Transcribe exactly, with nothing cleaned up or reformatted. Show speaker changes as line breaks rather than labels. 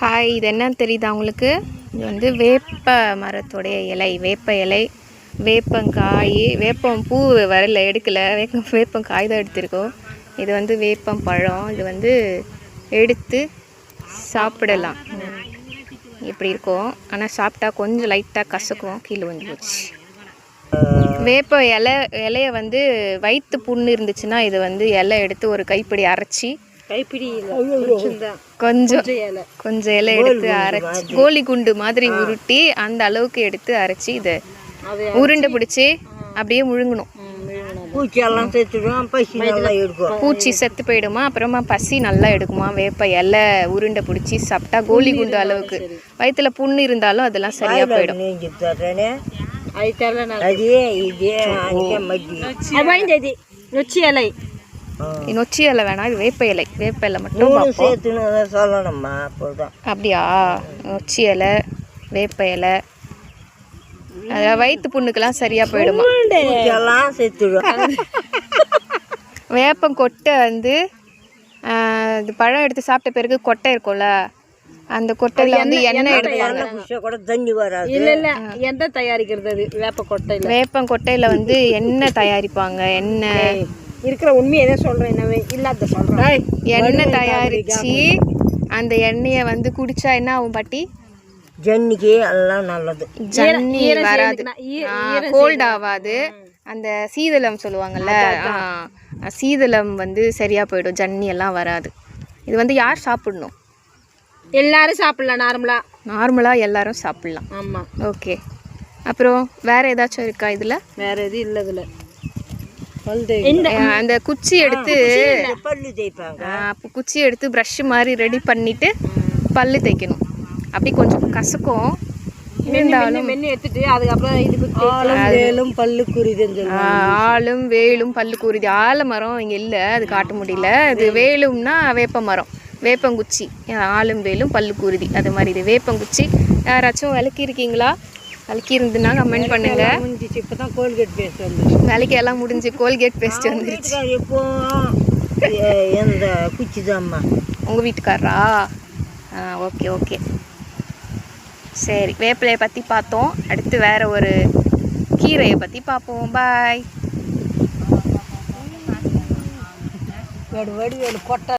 Hi, இது என்னன்னு தெரியுதா உங்களுக்கு? இது வந்து வேப்ப மரத்துடைய இலை, வேப்ப இலை, வேப்பங்காய், வேப்பம் பூ வரல, எடுக்கலை, வேப்ப வேப்பங்காய் தான் எடுத்திருக்கோம். இது வந்து வேப்பம் பழம். இது வந்து எடுத்து சாப்பிடலாம். இப்படி இருக்கும், ஆனால் சாப்பிட்டா கொஞ்சம் லைட்டாக கசக்கும், கீழே வந்து போச்சு. வேப்ப இலை இலையை வந்து வயிற்று புண்ணு இருந்துச்சுன்னா இது வந்து இலை எடுத்து ஒரு கைப்பிடி அரைச்சி, கைப்பிடி கொஞ்சம் கொஞ்சம் இலை எடுத்து அரைச்சி கோழி குண்டு மாதிரி உருட்டி அந்த அளவுக்கு எடுத்து அரைச்சி இதை உருண்டை பிடிச்சி அப்படியே முழுங்கணும். பூச்சி செத்து போயிடுமா, அப்புறமா பசி நல்லா எடுக்குமா. வேப்ப இலை உருண்டை பிடிச்சி சாப்பிட்டா கோழி குண்டு அளவுக்கு வயிற்றுல புண்ணு இருந்தாலும் அதெல்லாம் சரியா போயிடும். நொச்சி இலை நொச்சி இலை வேணாம், இது வேப்ப இலை. வேப்ப இலை மட்டும் சொல்லணும்மா. அப்படியா? நொச்சி இலை, வேப்ப இலை, அதாவது வயிற்று புண்ணுக்கெல்லாம் சரியா போயிடுமா. வேப்பம் கொட்டை வந்து இது பழம் எடுத்து சாப்பிட்ட பிறகு கொட்டை இருக்கும்ல, அந்த கொட்டையில வந்து எண்ணெய் எடுப்பாங்க.
எண்ணெய் தயாரிக்கிறது வேப்ப கொட்டையில.
வேப்பம் கொட்டையில வந்து எண்ணெய் தயாரிப்பாங்க. எண்ணெய்
இருக்கிற உண்மையை எதை சொல்றேன், என்னவே இல்லாத சொல்றேன்.
எண்ணெய் தயாரிச்சு அந்த எண்ணெயை வந்து குடிச்சா என்ன ஆகும் பாட்டி?
ஜன்னிக்கு எல்லாம் நல்லது.
ஜன்னி வராது, கோல்ட் ஆகாது. அந்த சீதளம் சொல்லுவாங்கல்ல, சீதளம் வந்து சரியா போயிடும், ஜன்னி எல்லாம் வராது. இது வந்து யார் சாப்பிடணும்?
எல்லாரும் சாப்பிடலாம். நார்மலா
நார்மலா எல்லாரும் சாப்பிடலாம்.
ஆமா,
ஓகே. அப்புறம் வேற ஏதாச்சும் இருக்கா இதுல?
வேற எது இல்ல. இதுல
அந்த குச்சி எடுத்து
பல்லு தேய்ப்பாங்க.
குச்சி எடுத்து ப்ரஷ் மாதிரி ரெடி பண்ணிட்டு பல்லு தேய்க்கணும். அப்படி கொஞ்சம் கசக்கும் இருந்தாலும்
எடுத்துட்டு அதுக்கப்புறம்
வேலும் பல்லு குறிது.
ஆளும் வேலும் பல்லு குறிது. ஆலமரம் இங்க இல்ல, அது காட்ட முடியல. இது வேலும்னா வேப்ப மரம், வேப்பங்குச்சி. ஆளும் வேலும் பல்லு குருதி, அது மாதிரி. இது வேப்பங்குச்சி. யாராச்சும் விளக்கி இருக்கீங்களா? விளக்கி இருந்துன்னா கமெண்ட் பண்ணுங்க.
இப்பதான் கோல்கேட் பேஸ்ட் வந்து
விளக்கி எல்லாம் முடிஞ்சு கோல்கேட் பேஸ்ட் வந்துருச்சு.
இப்போ எந்த குச்சி தான்மா
உங்க வீட்டுக்காரரா? ஆ, ஓகே ஓகே, சரி. வேப்பிலையை பற்றி பார்த்தோம். அடுத்து வேற ஒரு கீரையை பற்றி பார்ப்போம். பாய்.
வேடு வேடு வேடு கொட்டை.